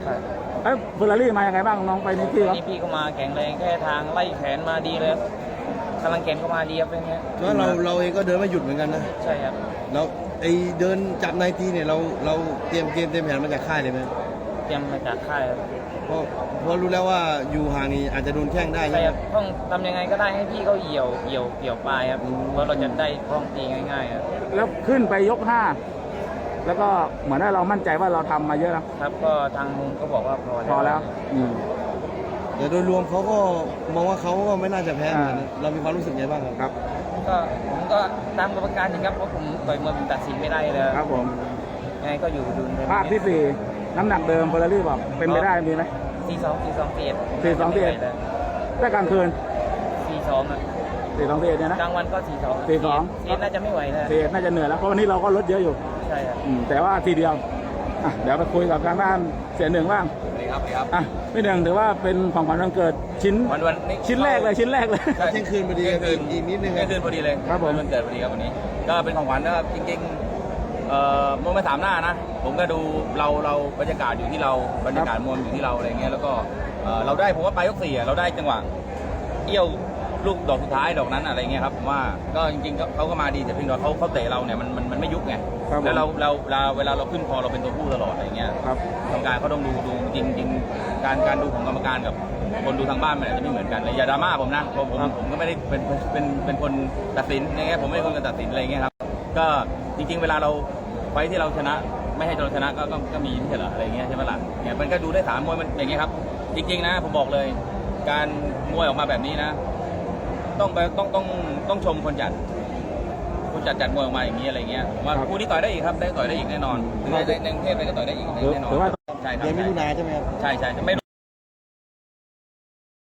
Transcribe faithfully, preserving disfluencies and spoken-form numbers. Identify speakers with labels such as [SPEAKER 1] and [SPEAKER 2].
[SPEAKER 1] เอ้ยเฟอร์รารี่มายังไงบ้างน้องไปนี่พี่ครับ
[SPEAKER 2] นี่พี่ก็มาแข็งแรงแค่ทางไล่แขนมาดีเลยกำลังแขนก็มาดีครับเป็นไง
[SPEAKER 3] เพราะเราเราเองก็เดินไม่หยุดเหมือนกันนะ
[SPEAKER 2] ใช่ครับ
[SPEAKER 3] เราไอเดินจับในทีเนี่ยเราเราเตรียมเกมเตรียมแผนมาจากค่ายเลยไหม
[SPEAKER 2] เตรียมมาจากค่ายครับ
[SPEAKER 3] เพราะเพราะรู้แล้วว่าอยู่ห่างนี่อาจจะโดนแข้งได้
[SPEAKER 2] ใช่
[SPEAKER 3] ใช่ไห
[SPEAKER 2] ค
[SPEAKER 3] ม
[SPEAKER 2] รับต้องทำยังไงก็ได้ให้พี่เขาเหี่ยวเหี่ยวเหี่ยวปลายครับ
[SPEAKER 3] อืม
[SPEAKER 2] เพราะเราจะได้คล่องตีง่ายๆครับ
[SPEAKER 1] แล้วขึ้นไปยกห้าแล้วก็เหมือนว่าเรามั่นใจว่าเราทำมาเยอะนะครับ
[SPEAKER 2] ก็ทางมุมก็บอกว่าพอ
[SPEAKER 1] พอแล้วอืม
[SPEAKER 3] แต่โดยรวมเขาก็มองว่าเขาก็ไม่น่าจะแพ้เหมือนกันนะเรามีความรู้สึกไงบ้างครับ
[SPEAKER 1] ครับ
[SPEAKER 2] ก็ผมก็ตามกรรมการจริงครับเพราะผมต่อยมวยผมตัดสินไม่ได้เลย
[SPEAKER 1] ครับผม
[SPEAKER 2] ยังไงก็อยู่ดุล
[SPEAKER 1] ภาคที่สี่น้ำหนักเดิมเฟอร์รารี่บอกเป็นไปได้มีไหม
[SPEAKER 2] สี่สองสี่สองสี่เอ็ด
[SPEAKER 1] สี่สองสี่เอ็ด ได้กลางคืน
[SPEAKER 2] สี่สองอ่ะ
[SPEAKER 1] สี่สองสี่เอ็ดเนี่ยนะ
[SPEAKER 2] กลางวันก็สี่สอง
[SPEAKER 1] สี่สอง
[SPEAKER 2] สี่น่าจะไม่ไหวแล้ว
[SPEAKER 1] สี่เอ็ดน่าจะเหนื่อยแล้วเพราะวันนี้เราก็ลดเยอะอยู่
[SPEAKER 2] ใช่ครับ
[SPEAKER 1] อืมแต่ว่าทีเดียวอ่ะเดี๋ยวไปคุยกับทางด้านเสียหนึ่งบ้าง
[SPEAKER 4] ดีครับดีครับ
[SPEAKER 1] อ่ะพี่หนึ่งถือว่าเป็นของขวัญวันเกิดชิ้น
[SPEAKER 4] วันวันนี้
[SPEAKER 1] ชิ้นแรกเลยชิ้นแรกเลย
[SPEAKER 4] ใช่
[SPEAKER 3] เที่ยงคืนพอดี
[SPEAKER 4] เที่ยงคืน
[SPEAKER 3] อีกนิดนึง
[SPEAKER 4] เที่ยงคืนพอดีเลย
[SPEAKER 1] ครับผม
[SPEAKER 4] วันเกิดพอดีครับวันนี้ ก็เป็นของขวัญนะครับจริงๆเอ่อมวยมาสามหน้านะ ผมก็ดูเราเราบรรยากาศอยู่ที่เราบรรยากาศมวยอยู่ที่เราอะไรเงี้ยแล้วก็เอ่อเราได้ผมว่าปลายยกสี่อะเราได้จังหวะเอี้ยวลูกดอกสุดท้ายดอกนั้นอะไรเงี้ยครับผมว่าก็จริงๆก็เขาก็มาดีแต่เพียงแต่ว่าเขาเขาเตะเราเนี่ยมันมันมันไม่ยุบไง
[SPEAKER 1] ครับผม
[SPEAKER 4] แล้วเราเราเราเวลาเราขึ้นคอเราเป็นตัวผู้ตลอดอะไรเงี้ย
[SPEAKER 1] ครับ
[SPEAKER 4] กรรมการเขาต้องดูดูจริงจริงๆการการดูของกรรมการกับคนดูทางบ้านมันอาจจะไม่เหมือนกันเลยอย่าดราม่าผมนะผมผม
[SPEAKER 1] ครับ
[SPEAKER 4] ผมก็ไม่ได้เป็นเป็นเป็นคนตัดสินอย่างเงี้ยผมไม่ได้คนตัดสินอะไรเงี้ยครับก็จริง ๆ เวลาเราไฟท์ที่เราชนะ ไม่ให้เราชนะก็ก็ก็มีไม่ใช่เหรออะไรเงี้ยใช่ไหมล่ะเนี่ยมันก็ดูได้สามมวยมันอย่างเงี้ยครับ จริง ๆ นะผมบอกเลย การมวยออกมาแบบนี้นะ ต้องไปต้องต้องต้องชมคนจัดคนจัดจัดมวยออกมาอย่างนี้อะไรเงี้ยผมว่า
[SPEAKER 1] ครับ
[SPEAKER 4] คู่นี้ต่อยได้อีกครับได้ต่อยได้อีกแน่นอนในในในกรุงเทพเลยก็ต่อยได้อีกแน่นอน
[SPEAKER 1] ถือว่า
[SPEAKER 4] ใช่ครับ
[SPEAKER 3] เดือนมิ
[SPEAKER 4] ใช่
[SPEAKER 3] ถุนาใช่ไหมครับ
[SPEAKER 4] ใช่ใช่ไม่